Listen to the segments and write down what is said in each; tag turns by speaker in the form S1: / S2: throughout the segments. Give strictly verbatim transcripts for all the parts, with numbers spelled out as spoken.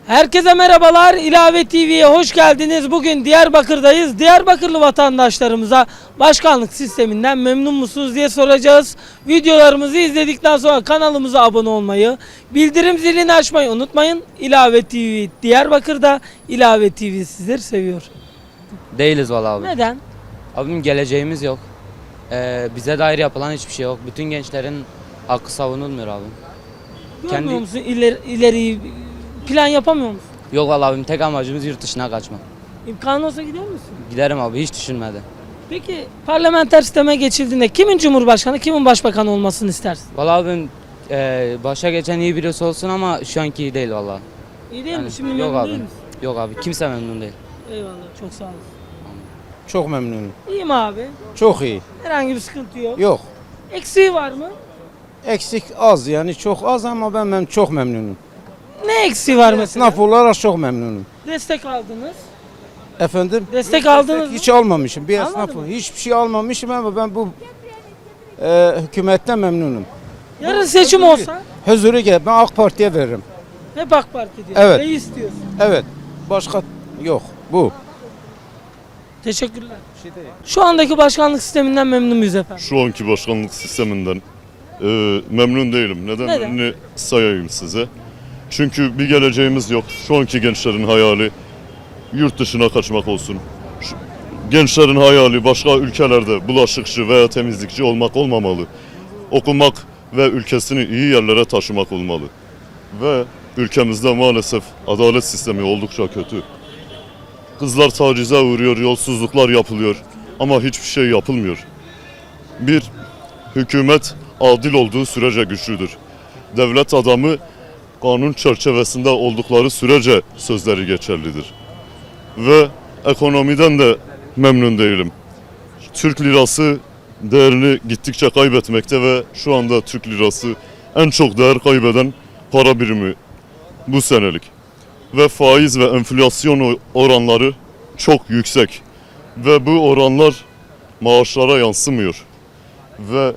S1: Herkese merhabalar. İlave T V'ye hoş geldiniz. Bugün Diyarbakır'dayız. Diyarbakırlı vatandaşlarımıza başkanlık sisteminden memnun musunuz diye soracağız. Videolarımızı izledikten sonra kanalımıza abone olmayı, bildirim zilini açmayı unutmayın. İlave T V Diyarbakır'da, İlave T V sizleri seviyor.
S2: Değiliz valla abi.
S1: Neden?
S2: Abim geleceğimiz yok. Ee, bize dair yapılan hiçbir şey yok. Bütün gençlerin hakkı savunulmuyor abi.
S1: Görmüyor
S2: Kendi-
S1: musun ileri, ileriyi plan yapamıyor musun?
S2: Yok valla abim, tek amacımız yurt dışına kaçmak.
S1: İmkanı olsa gider misin?
S2: Giderim abi, hiç düşünmedi.
S1: Peki parlamenter sisteme geçildiğinde kimin cumhurbaşkanı, kimin başbakanı olmasını istersin?
S2: Valla abim e, başa geçen iyi birisi olsun ama şu anki iyi değil valla.
S1: İyi değil mi?
S2: Yani
S1: Şimdi
S2: yok
S1: memnun
S2: abi.
S1: değil misin?
S2: Yok abi, kimse memnun değil.
S1: Eyvallah, çok sağ olasın.
S3: Çok memnunum.
S1: İyi mi abi?
S3: Çok iyi.
S1: Herhangi bir sıkıntı yok.
S3: Yok.
S1: Eksiği var mı?
S3: Eksik az yani çok az ama ben, ben çok memnunum.
S1: Ne eksiği var mesela?
S3: Esnaf olarak çok memnunum.
S1: Destek aldınız.
S3: Efendim?
S1: Destek aldınız mı?
S3: Hiç almamışım. Bir
S1: Almadın
S3: esnaf
S1: mı?
S3: hiçbir şey almamışım ama ben bu e, hükümetten memnunum.
S1: Yarın seçim olsa
S3: Huzuru gel. Ben AK Parti'ye veririm.
S1: hep AK Parti diyor.
S3: Evet.
S1: Ne istiyorsun?
S3: Evet. Başka yok. Bu.
S1: Teşekkürler. Şu andaki başkanlık sisteminden memnun muyuz efendim?
S4: Şu anki başkanlık sisteminden e, memnun değilim. Nedenlerini
S1: Neden?
S4: sayayım size. Çünkü bir geleceğimiz yok. Şu anki gençlerin hayali yurt dışına kaçmak olsun. Şu, gençlerin hayali başka ülkelerde bulaşıkçı veya temizlikçi olmak olmamalı. Okumak ve ülkesini iyi yerlere taşımak olmalı. Ve ülkemizde maalesef adalet sistemi oldukça kötü. Kızlar tacize uğruyor, yolsuzluklar yapılıyor ama hiçbir şey yapılmıyor. Bir, hükümet adil olduğu sürece güçlüdür. Devlet adamı kanun çerçevesinde oldukları sürece sözleri geçerlidir. Ve ekonomiden de memnun değilim. Türk lirası değerini gittikçe kaybetmekte ve şu anda Türk lirası en çok değer kaybeden para birimi bu senelik. Ve faiz ve enflasyon oranları çok yüksek. Ve bu oranlar maaşlara yansımıyor. Ve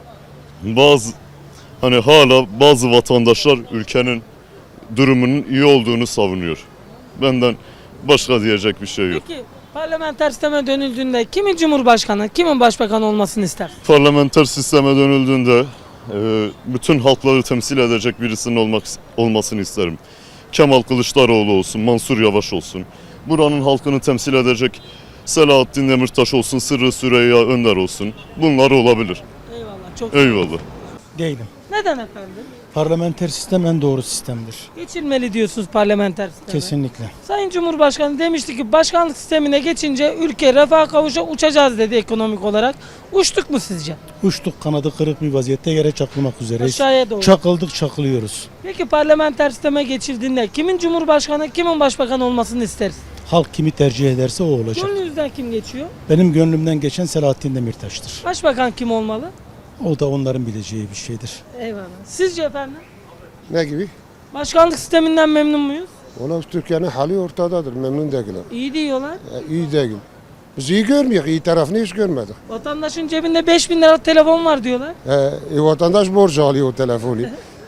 S4: bazı hani hala bazı vatandaşlar ülkenin durumunun iyi olduğunu savunuyor. Benden başka diyecek bir şey yok.
S1: Peki parlamenter sisteme dönüldüğünde kimin cumhurbaşkanı, kimin başbakanı olmasını istersin?
S4: Parlamenter sisteme dönüldüğünde e, bütün halkları temsil edecek birisinin olmak olmasını isterim. Kemal Kılıçdaroğlu olsun, Mansur Yavaş olsun. Buranın halkını temsil edecek Selahattin Demirtaş olsun, Sırrı Süreyya Önder olsun. Bunlar olabilir.
S1: Eyvallah. Çok
S4: Eyvallah.
S5: Değilim.
S1: Neden efendim?
S5: Parlamenter sistem en doğru sistemdir.
S1: Geçilmeli diyorsunuz parlamenter sisteme.
S5: Kesinlikle.
S1: Sayın Cumhurbaşkanı demişti ki başkanlık sistemine geçince ülke refaha kavuşa uçacağız dedi ekonomik olarak. Uçtuk mu sizce?
S5: Uçtuk, kanadı kırık bir vaziyette yere çakılmak üzereyiz.
S1: Aşağıya doğru.
S5: Çakıldık, çakılıyoruz.
S1: Peki parlamenter sisteme geçildiğinde kimin cumhurbaşkanı, kimin başbakan olmasını isteriz?
S5: Halk kimi tercih ederse o olacak.
S1: Gönlünüzden kim geçiyor?
S5: Benim gönlümden geçen Selahattin Demirtaş'tır.
S1: Başbakan kim olmalı?
S5: O da onların bileceği bir şeydir.
S1: Eyvallah. Sizce efendim?
S6: Ne gibi?
S1: Başkanlık sisteminden memnun muyuz?
S6: Valla Türkiye'nin hali ortadadır. Memnun değiller.
S1: İyi diyorlar.
S6: E, iyi değil. Biz iyi görmüyoruz. İyi tarafını hiç görmedik.
S1: Vatandaşın cebinde beş bin lira telefon var diyorlar.
S6: E, e, vatandaş borç alıyor o telefonu.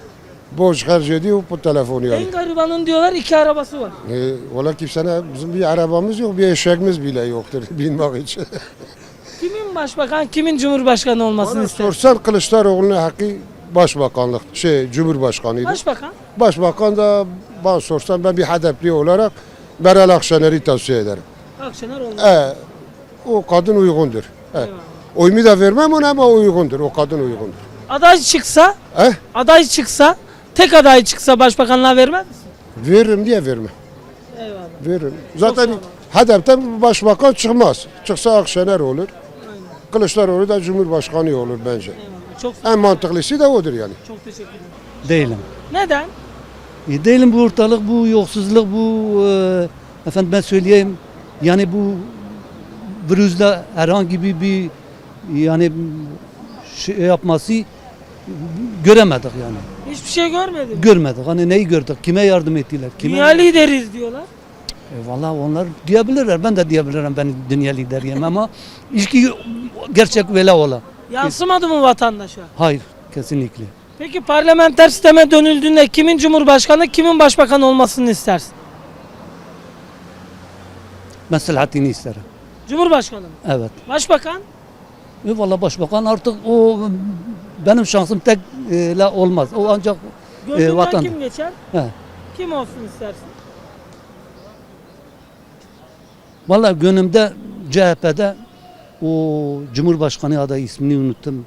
S6: Borç harc ediyor bu telefonu yani.
S1: En garibanın diyorlar iki arabası var.
S6: E, valla kimsenin bizim bir arabamız yok, bir eşeğimiz bile yoktur binmek için.
S1: Kimin başbakan, kimin cumhurbaşkanı olmasını
S6: Bana
S1: isteriz?
S6: sorsan Kılıçdaroğlu'nun hakkı başbakanlık, şey cumhurbaşkanıydı.
S1: Başbakan?
S6: Başbakan da bana sorsan ben bir hedefli olarak Meral Akşener'i tavsiye ederim.
S1: Akşener olmalı.
S6: E, o kadın uygundur. E,
S1: Eyvallah.
S6: oyumu da vermem ona ama uygundur. O kadın uygundur.
S1: Aday çıksa,
S6: Eh?
S1: aday çıksa, tek aday çıksa başbakanlığa vermez misin?
S6: Veririm diye verme.
S1: Eyvallah.
S6: Veririm. Zaten
S1: sağ olun.
S6: hedeften başbakan çıkmaz. Çıksa Akşener olur. Kılıçdaroğlu da Cumhurbaşkanı olur bence.
S1: Eyvallah. Çok,
S6: En mantıklısı da odur yani.
S1: çok teşekkür ederim.
S7: Değilim.
S1: Neden?
S7: E, değilim bu ortalık, bu yoksulluk, bu e, efendim ben söyleyeyim yani bu virüsle herhangi bir, bir yani şey yapması göremedik yani.
S1: Hiçbir şey görmedim.
S7: Görmedik. Hani neyi gördük? Kime yardım ettiler? Kime?
S1: Dünya lideriyiz diyorlar.
S7: E, vallahi onlar diyebilirler. Ben de diyebilirim ben dünya lideriyim ama ilki gerçek vela ola.
S1: Yansımadı mı vatandaşa?
S7: Hayır, kesinlikle.
S1: Peki parlamenter sisteme dönüldüğünde kimin cumhurbaşkanı, kimin başbakan olmasını istersin?
S7: Ben Selahattin'i isterim.
S1: Cumhurbaşkanı mı?
S7: Evet.
S1: Başbakan?
S7: E valla başbakan artık o benim şansım tek e, la olmaz. O ancak
S1: Gönlünden
S7: vatan-
S1: kim geçer?
S7: he.
S1: Kim olsun istersin?
S7: Valla gönlümde C H P'de o Cumhurbaşkanı adayı ismini unuttum.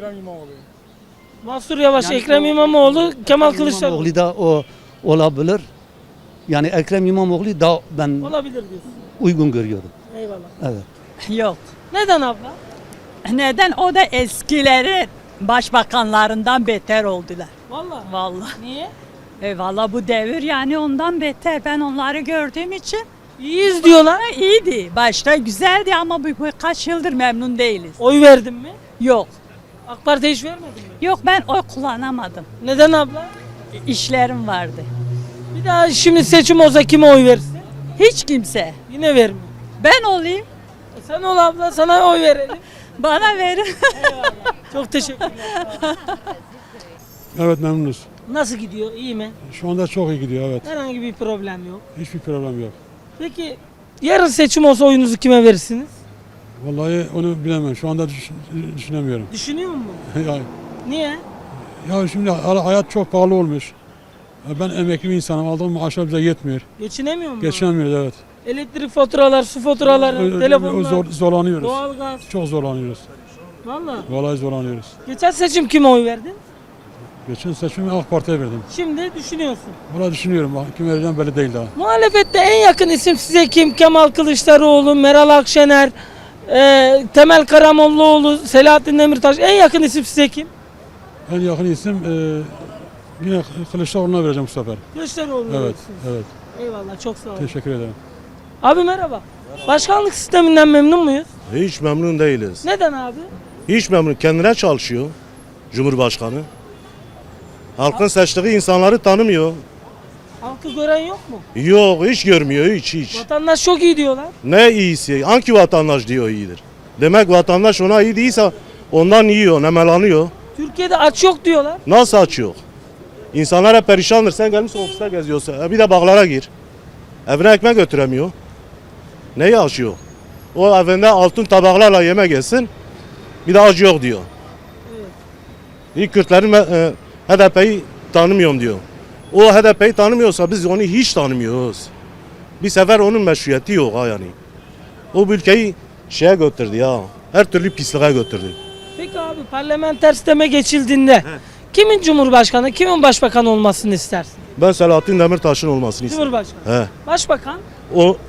S1: Mansur Yavaş,
S7: Yani
S1: Ekrem
S7: o-
S1: İmamoğlu, Kemal Kılıçdaroğlu.
S7: İmamoğlu da o olabilir. Yani Ekrem İmamoğlu da ben
S1: Olabilir diyorsun.
S7: uygun görüyorum.
S1: Eyvallah.
S7: Evet.
S8: Yok.
S1: Neden abla?
S8: Neden? O da eskileri başbakanlarından beter oldular.
S1: Vallahi.
S8: Vallahi.
S1: Niye?
S8: E vallahi bu devir yani ondan beter. Ben onları gördüğüm için
S1: İyiyiz diyorlar.
S8: ha, iyiydi. Başta güzeldi ama bu birkaç yıldır memnun değiliz.
S1: Oy verdin mi?
S8: Yok.
S1: AK Parti'ye hiç vermedin mi?
S8: Yok ben oy kullanamadım.
S1: Neden abla?
S8: İşlerim vardı.
S1: Bir daha şimdi seçim olsa kime oy verirsin?
S8: Hiç kimse.
S1: Yine verme.
S8: Ben olayım.
S1: E sen ol abla, sana oy verelim.
S8: Bana verin.
S1: Çok teşekkürler.
S9: Evet memnunuz.
S1: Nasıl gidiyor? İyi mi?
S9: Şu anda çok iyi gidiyor evet.
S1: Herhangi bir problem yok.
S9: Hiçbir problem yok.
S1: Peki yarın seçim olsa oyunuzu kime verirsiniz?
S9: Vallahi onu bilemem. Şu anda düş- düşünemiyorum.
S1: Düşünüyor musun?
S9: ya,
S1: Niye?
S9: ya şimdi ha- hayat çok pahalı olmuş. Ya ben emekli bir insanım. Aldığım maaşlar bize yetmiyor.
S1: Geçinemiyor musun?
S9: Geçinemiyoruz evet.
S1: Elektrik faturalar, su faturaları,
S9: Ö- ö-
S1: telefonlar,
S9: zor- zorlanıyoruz.
S1: doğalgaz.
S9: Çok zorlanıyoruz.
S1: Valla.
S9: Vallahi zorlanıyoruz.
S1: Geçen seçim kime oy verdin?
S9: Geçen seçimi AK Parti'ye verdim.
S1: Şimdi düşünüyorsun.
S9: Vallahi düşünüyorum. Bak, kim vereceğim belli değil daha.
S1: Muhalefette en yakın isim size kim? Kemal Kılıçdaroğlu, Meral Akşener, e, Temel Karamollaoğlu, Selahattin Demirtaş. En yakın isim size kim?
S9: En yakın isim e, yine Kılıçdaroğlu'na vereceğim bu sefer.
S1: Kılıçdaroğlu.
S9: Evet,
S1: diyorsunuz.
S9: evet.
S1: Eyvallah, çok sağ olun.
S9: Teşekkür ederim.
S1: Abi merhaba. Başkanlık sisteminden memnun muyuz?
S10: Hiç memnun değiliz.
S1: Neden abi?
S10: Hiç memnun. Kendine çalışıyor Cumhurbaşkanı. Halkın seçtiği insanları tanımıyor.
S1: Halkı gören yok mu?
S10: Yok, hiç görmüyor, hiç hiç.
S1: Vatandaş çok iyi diyorlar.
S10: Ne iyisi? Hangi vatandaş diyor iyidir? Demek vatandaş ona iyi değilse ondan yiyor, nemelanıyor.
S1: Türkiye'de aç yok diyorlar.
S10: Nasıl açıyor? İnsanlar hep perişandır. Sen gelmişsin ofiste geziyorsun. E bir de bağlara gir. Evine ekmek götüremiyor. Neyi açıyor? O evinde altın tabaklarla yemek yesin. Bir de acı yok diyor. İlk Kürtlerin e, H D P'yi tanımıyorum diyor. O H D P'yi tanımıyorsa biz onu hiç tanımıyoruz. Bir sefer onun meşruiyeti yok ha yani. O bu ülkeyi şeye götürdü ya. Her türlü pisliğe götürdü.
S1: Peki abi parlamenter sisteme geçildiğinde kimin cumhurbaşkanı, kimin başbakan olmasını istersin?
S10: Ben Selahattin Demirtaş'ın olmasını istiyorum.
S1: Cumhurbaşkanı.
S10: He.
S1: Başbakan?
S10: O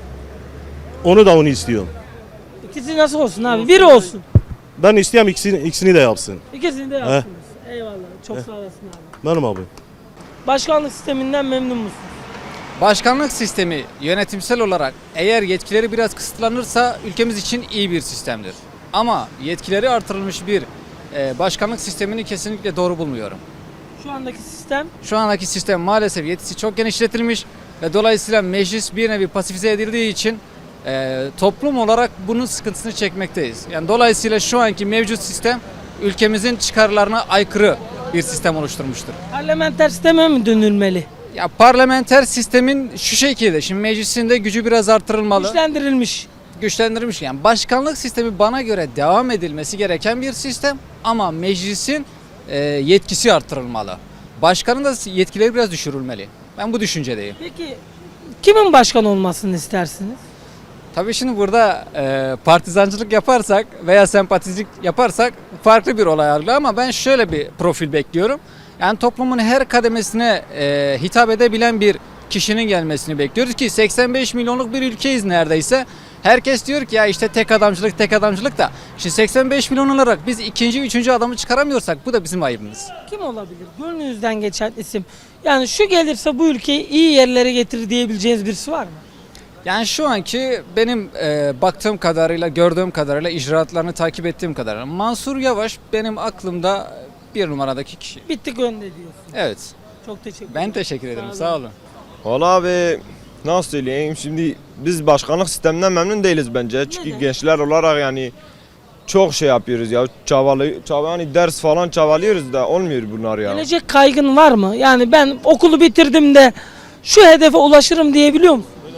S10: onu da onu istiyorum.
S1: İkisi nasıl olsun abi? Biri olsun.
S10: Ben istiyorum ikisini, ikisini de yapsın.
S1: İkisini de yapsınız. Eyvallah. Çok sağ olasın abi.
S10: Benim abi.
S1: Başkanlık sisteminden memnun musun?
S11: Başkanlık sistemi yönetimsel olarak eğer yetkileri biraz kısıtlanırsa ülkemiz için iyi bir sistemdir. Ama yetkileri artırılmış bir e, başkanlık sistemini kesinlikle doğru bulmuyorum.
S1: Şu andaki sistem
S11: Şu andaki sistem maalesef yetkisi çok genişletilmiş ve dolayısıyla meclis bir nevi pasifize edildiği için e, toplum olarak bunun sıkıntısını çekmekteyiz. Yani dolayısıyla şu anki mevcut sistem ülkemizin çıkarlarına aykırı bir sistem oluşturmuştur.
S1: parlamenter sisteme mi dönülmeli?
S11: Ya parlamenter sistemin şu şekilde, şimdi meclisin de gücü biraz artırılmalı.
S1: Güçlendirilmiş.
S11: Güçlendirilmiş. Yani başkanlık sistemi bana göre devam edilmesi gereken bir sistem ama meclisin e, yetkisi artırılmalı. Başkanın da yetkileri biraz düşürülmeli. Ben bu düşüncedeyim.
S1: Peki kimin başkan olmasını istersiniz?
S11: Tabii şimdi burada e, partizancılık yaparsak veya sempatizlik yaparsak farklı bir olay algılar ama ben şöyle bir profil bekliyorum. Yani toplumun her kademesine e, hitap edebilen bir kişinin gelmesini bekliyoruz ki seksen beş milyonluk bir ülkeyiz neredeyse. Herkes diyor ki ya işte tek adamcılık tek adamcılık da şimdi seksen beş milyon olarak biz ikinci, üçüncü adamı çıkaramıyorsak bu da bizim ayıbımız.
S1: Kim olabilir? Gönlünüzden geçen isim. Yani şu gelirse bu ülkeyi iyi yerlere getirir diyebileceğiniz birisi var mı?
S11: Yani şu anki benim e, baktığım kadarıyla, gördüğüm kadarıyla, icraatlarını takip ettiğim kadarıyla Mansur Yavaş benim aklımda bir numaradaki kişi.
S1: Bittik önde diyorsun.
S11: Evet.
S1: Çok teşekkür
S11: Ben
S1: ederim.
S11: teşekkür ederim.
S1: Sağ
S11: Sağ olun.
S12: Valla abi nasıl söyleyeyim şimdi biz başkanlık sisteminden memnun değiliz bence. Çünkü
S1: Neden?
S12: gençler olarak yani çok şey yapıyoruz ya çabalı, çaba, yani ders falan çabalıyoruz da olmuyor bunlar ya.
S1: Gelecek kaygın var mı? Yani ben okulu bitirdim de şu hedefe ulaşırım diyebiliyor musun?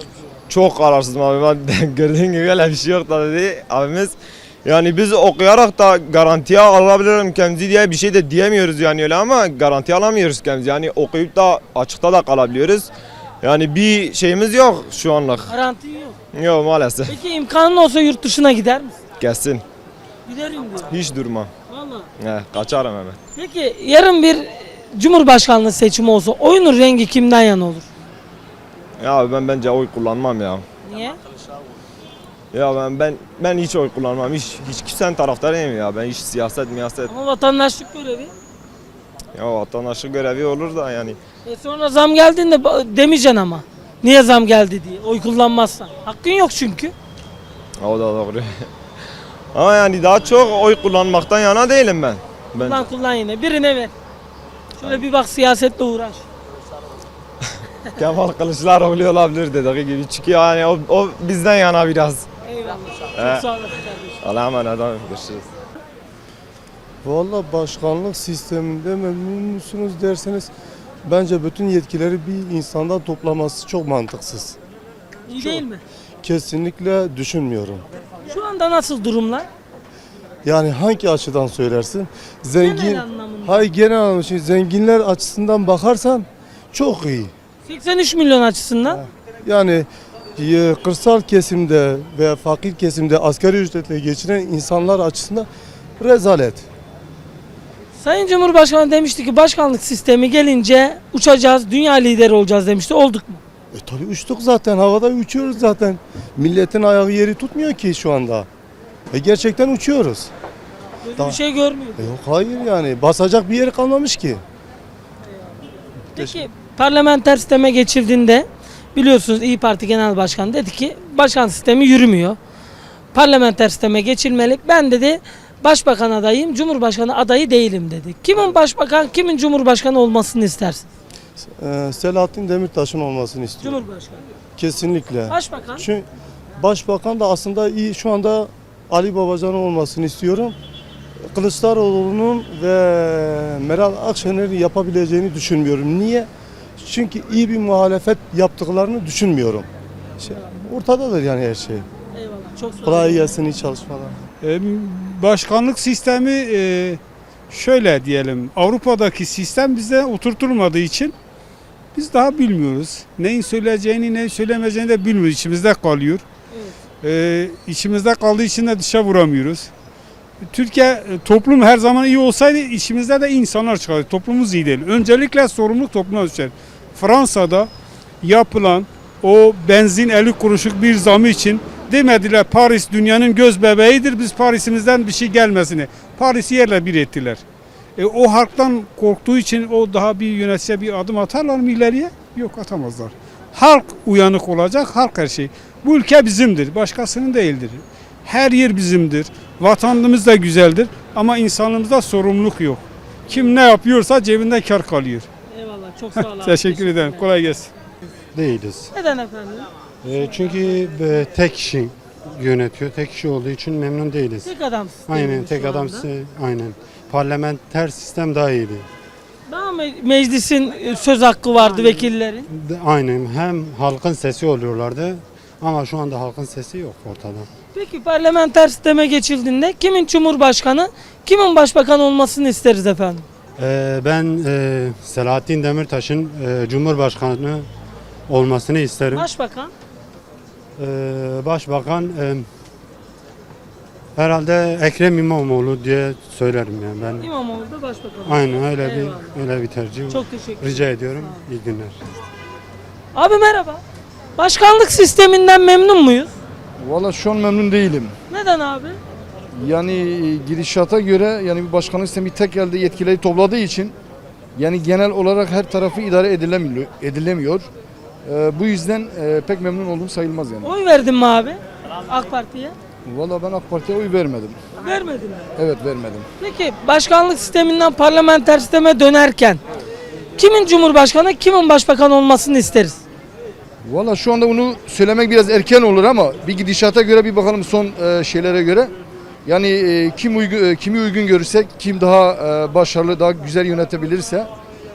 S12: çok kararsızım abi. Ben gördüğün gibi öyle bir şey yok da dedi abimiz. Yani biz okuyarak da garantiye alabilirim kendimizi diye bir şey de diyemiyoruz yani öyle ama garanti alamıyoruz kendimizi. Yani okuyup da açıkta da kalabiliyoruz. Yani bir şeyimiz yok şu anlık.
S1: Garantin yok.
S12: Yok maalesef.
S1: Peki imkanın olsa yurt dışına gider misin?
S12: Gelsin.
S1: Giderim diyor.
S12: Hiç durma.
S1: Vallahi.
S12: He, kaçarım hemen.
S1: Peki yarın bir Cumhurbaşkanlığı seçimi olsa oyunun rengi kimden yana olur?
S12: Ya ben bence oy kullanmam ya.
S1: Niye?
S12: Ya ben ben ben hiç oy kullanmam. Hiç hiç kimsenin taraftarıyım ya. Ben hiç siyaset, miyaset.
S1: Ama vatandaşlık görevi.
S12: Ya vatandaşlık görevi olur da yani.
S1: E sonra zam geldiğinde ba- demeyeceksin ama. Niye zam geldi diye. Oy kullanmazsan. Hakkın yok çünkü.
S12: O da doğru. Ama yani daha çok oy kullanmaktan yana değilim ben. Ben
S1: Kullan kullan yine. Birine ver. Şöyle bir bak siyasetle uğraş.
S12: Kemal Kılıçdaroğlu olabilir dediği gibi. Çünkü yani o, o bizden yana biraz.
S1: Eyvallah.
S12: He.
S1: Çok sağ olasın kardeşim.
S12: Allah'a emanet olun. Görüşürüz.
S6: Valla başkanlık sisteminde memnun musunuz derseniz bence bütün yetkileri bir insandan toplaması çok mantıksız.
S1: İyi değil mi?
S6: Kesinlikle düşünmüyorum.
S1: Şu anda nasıl durumlar?
S6: Yani hangi açıdan söylersin? Zengin,
S1: Genel anlamında.
S6: hayır genel anlamda şimdi zenginler açısından bakarsan çok iyi.
S1: seksen üç milyon açısından.
S6: Yani e, kırsal kesimde veya fakir kesimde asgari ücretle geçinen insanlar açısından rezalet.
S1: Sayın Cumhurbaşkanı demişti ki başkanlık sistemi gelince uçacağız, dünya lideri olacağız demişti. Olduk mu?
S6: E tabii uçtuk zaten, havada uçuyoruz zaten. Milletin ayağı yeri tutmuyor ki şu anda. E gerçekten uçuyoruz.
S1: Böyle
S6: Daha-
S1: bir şey görmüyor.
S6: E yok hayır yani basacak bir yer kalmamış ki.
S1: Peki parlamenter sisteme geçildiğinde biliyorsunuz İyi Parti Genel Başkanı dedi ki başkan sistemi yürümüyor. Parlamenter sisteme geçilmeli. Ben dedi başbakan adayım, cumhurbaşkanı adayı değilim dedi. Kimin başbakan, kimin cumhurbaşkanı olmasını istersin?
S6: E, Selahattin Demirtaş'ın olmasını istiyorum.
S1: Cumhurbaşkanı.
S6: Kesinlikle.
S1: Başbakan.
S6: Çünkü başbakan da aslında iyi şu anda Ali Babacan'ın olmasını istiyorum. Kılıçdaroğlu'nun ve Meral Akşener'in yapabileceğini düşünmüyorum. Niye? Çünkü iyi bir muhalefet yaptıklarını düşünmüyorum. Şey, ortadadır yani her şey.
S1: Eyvallah. Çok sağ olun.
S6: Kolay gelsin, iyi çalışmalar.
S9: E, başkanlık sistemi e, şöyle diyelim, Avrupa'daki sistem bize oturtulmadığı için biz daha bilmiyoruz. Neyin söyleyeceğini, neyin söylemeyeceğini de bilmiyoruz. İçimizde kalıyor. E, içimizde kaldığı için de dışa vuramıyoruz. Türkiye e, toplum her zaman iyi olsaydı içimizde de iyi insanlar çıkardı. Toplumumuz iyi değil. Öncelikle sorumluluk topluma düşer. Fransa'da yapılan o benzin elli kuruşluk bir zamı için demediler Paris dünyanın göz bebeğidir, biz Paris'imizden bir şey gelmesini. Paris'i yerle bir ettiler. E, o halktan korktuğu için o daha bir yönetice bir adım atarlar mı ileriye? Yok, atamazlar. Halk uyanık olacak, halk her şey. Bu ülke bizimdir, başkasının değildir. Her yer bizimdir. Vatanımız da güzeldir ama insanlığımızda sorumluluk yok. Kim ne yapıyorsa cebinde kar kalıyor.
S1: Eyvallah. Çok sağ olun.
S9: Teşekkür ederim. Kolay gelsin.
S5: Değiliz.
S1: Neden efendim?
S5: E, çünkü e, tek kişi yönetiyor. Tek kişi olduğu için memnun değiliz.
S1: Tek adam sistemi
S5: Aynen
S1: şu
S5: tek adam
S1: anda.
S5: size- aynen. Parlamenter sistem daha iyiydi.
S1: Daha me- meclisin e, söz hakkı vardı vekillerin.
S5: De- Aynen hem halkın sesi oluyorlardı ama şu anda halkın sesi yok ortada.
S1: Peki parlamenter sisteme geçildiğinde kimin cumhurbaşkanı, kimin başbakan olmasını isteriz efendim?
S5: Ee, ben e, Selahattin Demirtaş'ın e, Cumhurbaşkanı olmasını isterim.
S1: Başbakan.
S5: Ee, Başbakan e, herhalde Ekrem İmamoğlu diye söylerim yani ben.
S1: İmamoğlu da başbakan.
S5: Aynen öyle
S1: Eyvallah.
S5: bir öyle bir tercih.
S1: Çok teşekkür ederim.
S5: Rica ediyorum. İyi günler.
S1: Abi merhaba. Başkanlık sisteminden memnun muyuz?
S3: Valla şu an memnun değilim.
S1: Neden abi?
S3: Yani gidişata göre yani bir başkanlık sistemi tek elde yetkileri topladığı için yani genel olarak her tarafı idare edilemiyor. edilemiyor. Ee, bu yüzden e, pek memnun olduğum sayılmaz yani.
S1: Oy verdin mi abi? AK Parti'ye.
S3: Valla ben AK Parti'ye oy vermedim.
S1: Vermedin mi?
S3: Evet vermedim.
S1: Peki başkanlık sisteminden parlamenter sisteme dönerken kimin cumhurbaşkanı, kimin başbakan olmasını isteriz?
S3: Valla şu anda bunu söylemek biraz erken olur ama bir gidişata göre bir bakalım son e, şeylere göre. Yani e, kim uygun, e, kimi uygun görürsek, kim daha e, başarılı, daha güzel yönetebilirse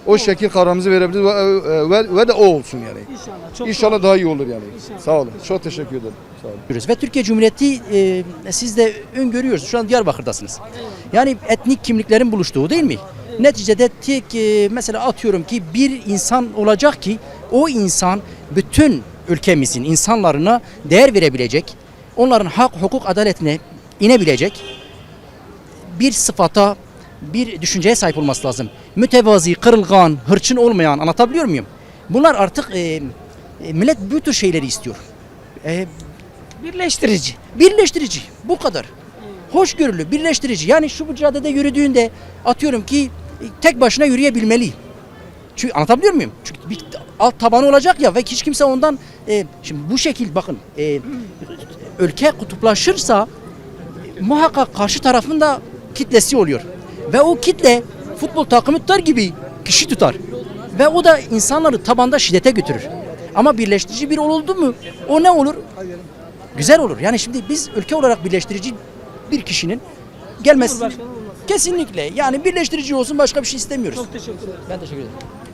S3: O şekil kararımızı verebiliriz ve, e, ve, ve de o olsun yani.
S1: İnşallah. Çok
S3: İnşallah daha iyi olur yani.
S1: İnşallah.
S3: Sağ olun. Çok teşekkür ederim. Sağ olun.
S13: Ve Türkiye Cumhuriyeti e, siz de öngörüyorsunuz. Şu an Diyarbakır'dasınız. Yani etnik kimliklerin buluştuğu değil mi? Neticede tek e, mesela atıyorum ki bir insan olacak ki o insan bütün ülkemizin insanlarına değer verebilecek, onların hak, hukuk, adaletine inebilecek bir sıfata, bir düşünceye sahip olması lazım. Mütevazi, kırılgan, hırçın olmayan, anlatabiliyor muyum? Bunlar artık e, e, millet bu tür şeyleri istiyor. E,
S1: birleştirici.
S13: Birleştirici. Bu kadar. Hoşgörülü, birleştirici. Yani şu bu caddede yürüdüğünde atıyorum ki tek başına yürüyebilmeli. Çünkü anlatabiliyor muyum? Çünkü bir alt tabanı olacak ya ve hiç kimse ondan e, şimdi bu şekil bakın e, ülke kutuplaşırsa e, muhakkak karşı tarafın da kitlesi oluyor. Ve o kitle futbol takımı tutar gibi kişi tutar. Ve o da insanları tabanda şiddete götürür. Ama birleştirici bir oldu mu o ne olur? Güzel olur. Yani şimdi biz ülke olarak birleştirici bir kişinin gelmesi
S1: Cumhurbaşkanı olmaz.
S13: kesinlikle yani birleştirici olsun başka bir şey istemiyoruz.
S1: Çok teşekkür ederim.
S13: Ben teşekkür ederim.